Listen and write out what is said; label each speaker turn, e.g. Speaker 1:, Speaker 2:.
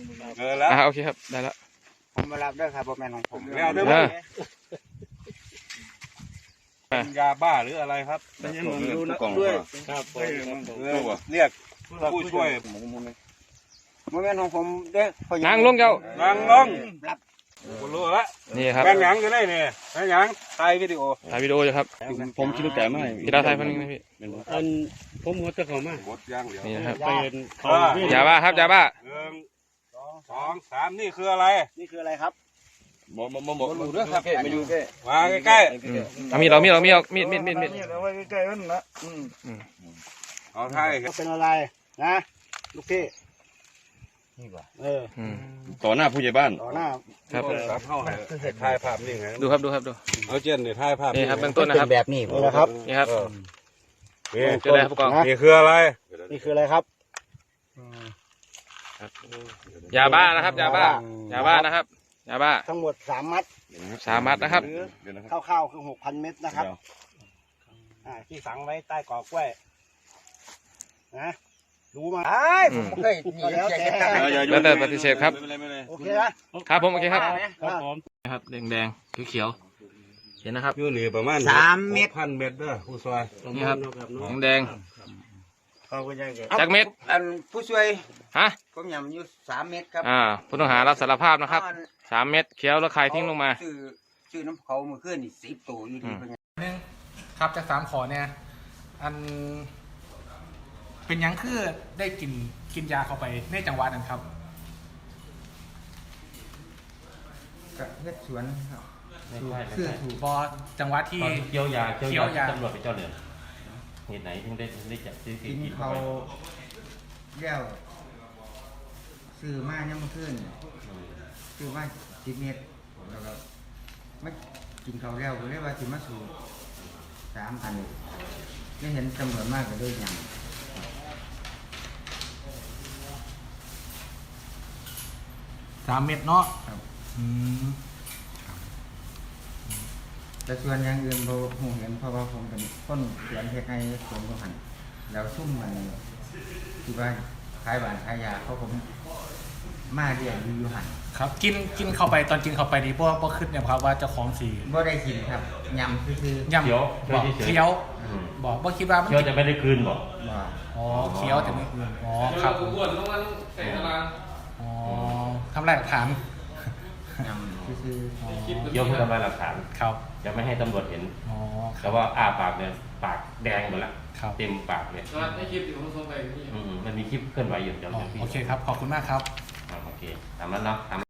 Speaker 1: แล้ว
Speaker 2: โอเคครับได้แล้ว
Speaker 3: ผมมารับด้วยครับบอแมนของผม
Speaker 1: แล้วได้ไหมเป็นยาบ้าหรืออะไรครับดูนะด้วยครับเรียกผู้ช่วย
Speaker 3: บอแมนของผมเด้อ
Speaker 2: นั่งลงเจ้า
Speaker 1: นั่งลงคุณรู้แล้ว
Speaker 2: นี่ครับ
Speaker 1: แบงหยังกันได้เนี่ยแบงหยังถ่ายวิดีโอ
Speaker 2: ถ่ายวิดีโออยู่ครับ
Speaker 4: ผมคิดว่าแก่ไม่
Speaker 2: พี่ดาวถ่ายคนนึงนะพี่
Speaker 4: อันผมหัวตะเขามา
Speaker 1: บดย่างเดียว
Speaker 2: นี่นะครับ
Speaker 4: เป็นเขา
Speaker 2: ยาบ้าครับยาบ้า
Speaker 1: 1 2 3นี่คืออะไร
Speaker 3: นี่คืออะไรครับ
Speaker 4: บอกดูด้วยครับมาอยู่แค่
Speaker 1: มาใกล้
Speaker 2: เอามีดมีดมีด
Speaker 3: เอาไว้ใกล้ๆนั่นนะ
Speaker 1: ๆเอาถ่าย
Speaker 3: เป็นอะไรนะลูกพี่นี่ป่ะ
Speaker 4: ต่อหน้าผู้ใหญ่บ้าน
Speaker 3: ต่อหน้า
Speaker 2: ครับ
Speaker 1: ครับเข้าให้ถ่ายภาพนี่ไง
Speaker 2: ดูครับดู
Speaker 1: เอาเจนเดี๋ยวถ่ายภาพ
Speaker 2: นี่ครับเบื้องต้นนะครับ
Speaker 3: แบบนี้นะครับ
Speaker 2: นี่ครับ
Speaker 1: นี่
Speaker 2: เจอแล้วผู้กอง
Speaker 1: นี่คืออะไร
Speaker 3: นี่คืออะไรครับ
Speaker 2: ยาบ้านะครับยาบ้นะครับยาบ้า
Speaker 3: ทั้งหมด3 มัด
Speaker 2: 3 มัดนะครับ
Speaker 3: คร่าวๆคือ 6,000 เม็ดนะครับที่ฝังไว้ใต้กอกล้วยนะรู้มาผมเคย
Speaker 2: แล้วแต่ปฏิเสธครับ
Speaker 3: โอเคนะครับ
Speaker 2: ผมโอเคครับ
Speaker 4: ครับผม
Speaker 2: นะครับแดงเขียวเห็นนะครับ
Speaker 1: อยู่นี่ประมาณ
Speaker 3: 3 เม็ด
Speaker 1: 1,000 เม็ดเด้อผู้ช่วย
Speaker 2: นี่ครับแดง
Speaker 3: ขอบคุณยังไง
Speaker 2: จากเม็ด
Speaker 3: อันผู้ช่วย
Speaker 2: ฮะ
Speaker 3: ผมยำอยู่3 เม็ดครับ
Speaker 2: ผู้ต้องหารับสารภาพนะครับ3 เม็ดเขียวแล้วคายทิ้งลงมา
Speaker 3: ชื่อน้ำเขาเมื่อคืนนี่10 ตัวอยู่ดีเป็นไง
Speaker 5: ครับจาก3 ขอเนี่ยอันเป็นยังคือได้กินยาเข้าไปในจังหวัดนั้นครับ
Speaker 3: ก็เฮ็ดสวนครับ
Speaker 5: คือถูกบอจังหวัดที่
Speaker 6: เกี่ยวยา
Speaker 5: เกี่ยวยา
Speaker 6: ตำรวจไปเจ้าเหนือเหตุไหนถึงได้จับซื้อ
Speaker 7: กินเขาแล้วซื้อมาเนี่ยมันขึ้นซื้อมา10 เม็ดแล้วก็ไม่กินเขาแล้วก็เรียกว่าสิมาสู่3,000ไม่เห็นจำนวนมากก็เลยอย่าง
Speaker 5: 3 เม็ดเนาะ
Speaker 7: ครับ
Speaker 5: อืม
Speaker 7: แต่ส่วนอย่างอื่นผมเห็นเพราะว่าผมเป็นคนเขียนเฮ็ดให้สวนหันแล้วซุ่มมันที่ว่าขายหวานขายยาเขาผมมาเรียนอยู่หัน
Speaker 5: ครับกินเข้าไปตอนกินเข้าไปนี่พวกขึ้นเนี่ยครับว่าเจ้าของสี
Speaker 7: บ่ได้กินครับยำคือย
Speaker 5: ำบอกเคี้ยวบอกว่าคิดว่ามัน
Speaker 6: เที่ยวจะไม่ได้คืนบอก
Speaker 7: ๆว่า
Speaker 5: อ๋อเคี้ยวแต่ไม่อื่นอ๋อครับอ๋อทำลายหลักฐาน
Speaker 7: ยำคือ
Speaker 6: เที่ยวเพื่อทำลายหลักฐาน
Speaker 5: ครับ
Speaker 6: จะไม่ให้ตำรวจเห็น
Speaker 5: อ๋อค
Speaker 6: แต่
Speaker 5: รับ
Speaker 6: ว่าอ้าปากเนี่ยปากแดงหมดละ
Speaker 5: ครับ
Speaker 6: เต็มปากเนี่ยมันมีคลิปเคลื่อนไหวอยู่จำ
Speaker 5: อ๋อ
Speaker 6: ได้พี่
Speaker 5: โอเคครับขอบคุณมากครับ
Speaker 6: โอเคตามนั้นเนาะ